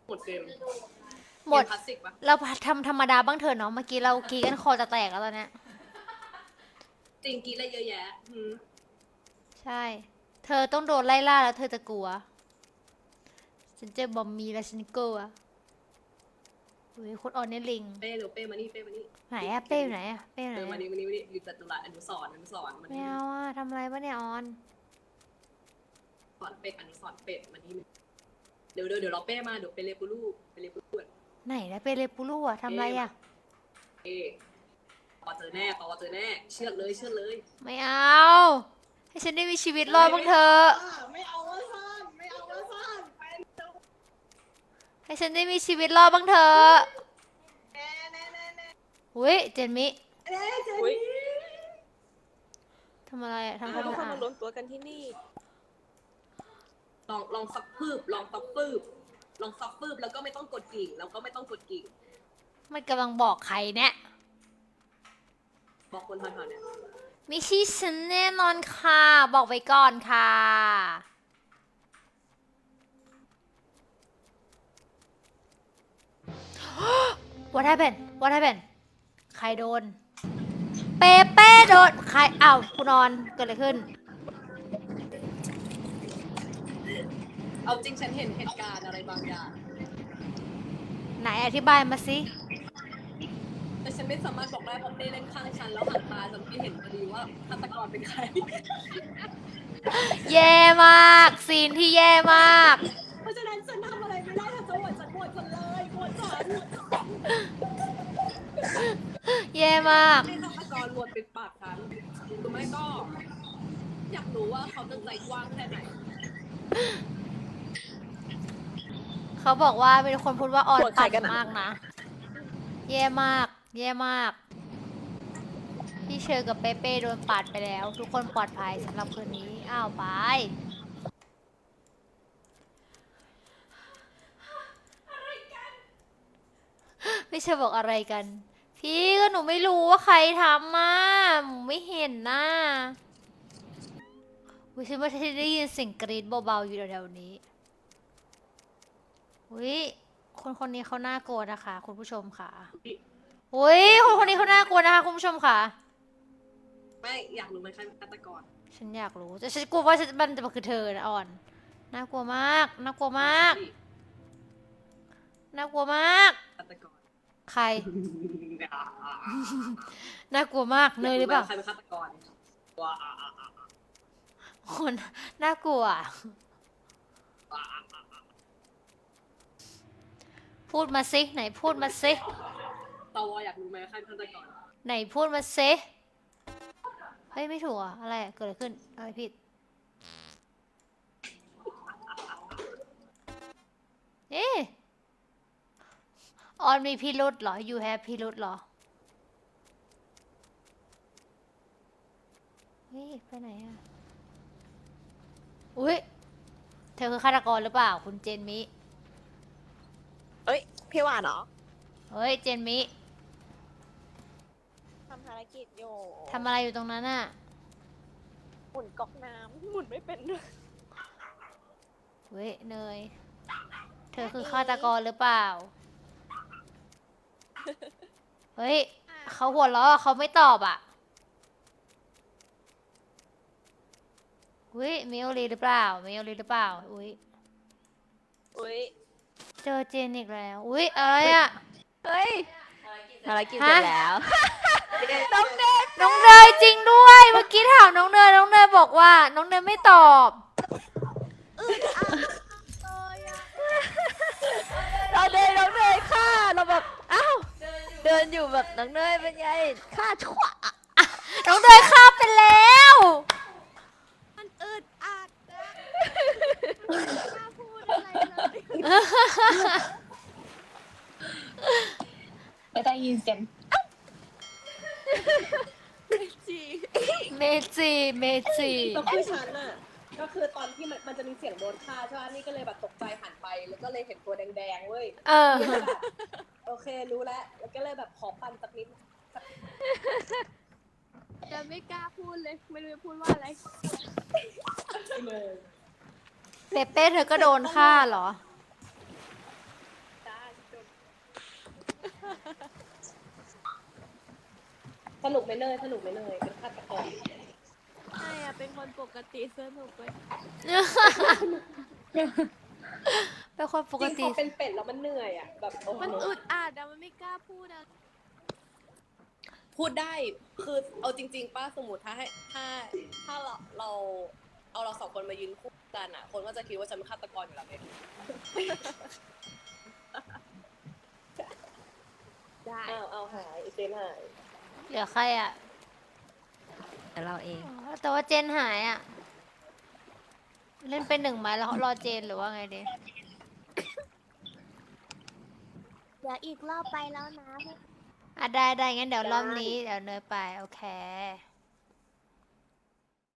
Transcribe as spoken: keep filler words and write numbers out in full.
หมดเกมหมดคลาสสิกปะเราทำธรรมดาบ้างเถอะเนาะเมื่อกี้เรากีกันคอจะแตกแล้วตอนเนี้ยจริงกีอะไรเยอะแยะอืมใช่ เธอต้องโดนไล่ล่าแล้วเธอจะกลัว ฉันเจอบอมมีแล้วฉันกลัวอุ้ยคนออนเนี่ยลิงเป้เร็วเป้มานี่เป้มานี่ไหนอะเป้อยู่ไหนอะเป้อยู่ไหนเออมาอะนี่มานี่มานี่อยู่จัตุรัสอนุสรณ์อนุสรณ์มาไม่นี่เอาอะทำอะไรวะเนี่ยออนสอนเป็ดอนุสรณ์เป็ดมานี่เดี๋ยวเดี๋ยวเดี๋ยวเราเป้มาเดี๋ยวไปเลปูลูไปเลปูลูไหนนะเปเรปูรูอะทำอะไรอะเอ๊ปอเจอแน่ปอเจอแน่เชื่อเลยเชื่อเลยไม่เอา ให้ฉันได้มีชีวิตรอดบ้างเถอะไม่เอาว่าซ่อนไม่เอาว่าซ่อนไปให้ฉันได้มีชีวิตรอดบ้างเถอะแน่แน่แน่แน่อุ้ยเจนมิแน่เจนทำอะไรอะทำคทุวามกคนสะอาดมารวมตัวกันที่นี่ลองลองซับปืบลองซับปืบลองซับปืบแล้วก็ไม่ต้องกดกิ่งแล้วก็ไม่ต้องกดกิ่งมันกำลังบอกใครเนี่ยบอกคนแถวๆเนี่ยไม่ใช่ฉันแน่นอนค่ะ บอกไว้ก่อนค่ะ What happened What happened ใครโดน เปเป้โดน ใครอ้าวคุณนอนเกิดอะไรขึ้นเอาจริงฉันเห็นเหตุการณ์อะไรบางอย่างไหนอธิบายมาสิแต่ฉันไม่สามารถบอกได้เพราะเป้เล่นข้างฉันแล้วหันมาฉันไม่เห็นพอดีว่าฆาตกรเป็นใครแย่มาก ซีนที่แย่มากเพราะฉะนั้นฉันทำอะไรไม่ได้ถ้าจะโหวตฉันโหวตฉันเลยโหวตฉันแย่มากให้ฆาตกรโหวตปิดปากฉันหรือไม่ก็ อยากรู้ว่าเขาจะใจกว้างแค่ไหนเขาบอกว่าเป็นคนพูดว่าออนปั่นมากนะ แย่มาก แย่มาก พี่เชอร์กับเปเป้โดนปาดไปแล้ว ทุกคนปลอดภัยสำหรับคืนนี้ อ้าวไปพี่เชอร์บอกอะไรกัน พี่ก็หนูไม่รู้ว่าใครทำมาหนูไม่เห็นนะวิฉันว่าฉันได้ยินเสียงกรี๊ดเบาๆอยู่แถวๆนี้วิคนคนนี้เขาน่ากลัวนะคะ คุณผู้ชมค่ะอุ้ยคนคนนี้เขาน่ากลัวนะคะคุณผู้ชมค่ะไม่อยากรู้ไหมใครเป็นฆาตกรฉันอยากรู้แต่ฉันกลัวว่ามันจะมาคือเธอนะอ่อนน่ากลัวมากน่ากลัวมากน่ากลัวมากฆาตกรใครน่ากลัวมากเนยหรือเปล่าใครเป็นฆาตกรว้าคนน่ากลัวพูดมาสิไหนพูดมาสิตวอยากรู้ไหมใครเป็นฆาตกรไหนพูดมาสิเฮ้ยไม่ถูกอ่ะอะไรเกิดอะไรขึ้นอะไรผิดเอ๊ะออนมีพิรุธเหรอ you have พิรุธเหรอเฮ้ยไปไหนอ่ะอุ้ยเธอคือฆาตกรหรือเปล่าคุณเจนมิเอ้ยพี่หวานเหรอเฮ้ยเจนมิทำภารกิจอยู่ทำอะไรอยู่ตรงนั้นน่ะหมุนก๊อกน้ำหมุนไม่เป็นด้วยเฮ้ยเนยเธอคือฆาตกรหรือเปล่าเฮ้ยเขาหัวเราะเขาไม่ตอบอ่ะอุ้ยมิโอรีหรือเปล่ามิโอรีหรือเปล่าอุ้ยอุ้ยเจอเจนอีกแล้วอุ้ยอะไรอ่ะเฮ้ยภารกิจเสร็จแล้วน้องเนยน้องเนยจริงด้วยเมื่อกี้ถามน้องเนยน้องเนยบอกว่าน้องเนยไม่ตอบเราเดินน้องเนยฆ่าเราแบบอ้าวเดินอยู่แบบน้องเนยเป็นไงฆ่าชั่วน้องเนยฆ่าไปแล้วมันอึดอัดนะไม่กล้าพูดอะไรเลยไม่ได้ยินเสียงเมจิเมจิเมจิก็คือฉันน่ะก็คือตอนที่มันมันจะมีเสียงโดนฆ่าใช่ไหมนี่ก็เลยแบบตกใจหันไปแล้วก็เลยเห็นตัวแดงๆเว้ยเออโอเครู้แล้วแล้วก็เลยแบบขอปั่นสักนิดจะไม่กล้าพูดเลยไม่รู้จะพูดว่าอะไรเปเป้เธอก็โดนฆ่าเหรอสนุกไหมเนยสนุกไหมเนยเป็นฆาตกรใช่อะเป็นคนปกติสนุกเลยเป็นคนปจกริงติพอเป็นเป็ดแล้วมันเหนื่อยอ่ะแบบโอ้โหมันอึดอัดอะมันไม่กล้าพูดอะพูดได้คือเอาจริง ๆป้าสมมติถ้าให้ถ้าถ้าเราเราเอาเราสองคนมายืนคู่กันอ่ะ คนก็จะคิดว่าฉันเป็นฆาตกรอยู่แล้วไงได้อ้าวเอาหายเจนหายเหลือใครอ่ะแต่เราเองอ๋อแต่ว่าเจนหายอ่ะ เล่นเป็นหนึ่งไหมแล้วรอเจนหรือว่าไงดีเดี๋ยวอีกรอบไปแล้วนะอ่ะได้ได้งั้นเดี๋ยวรอบนี้เดี๋ยวเนยไป โอเค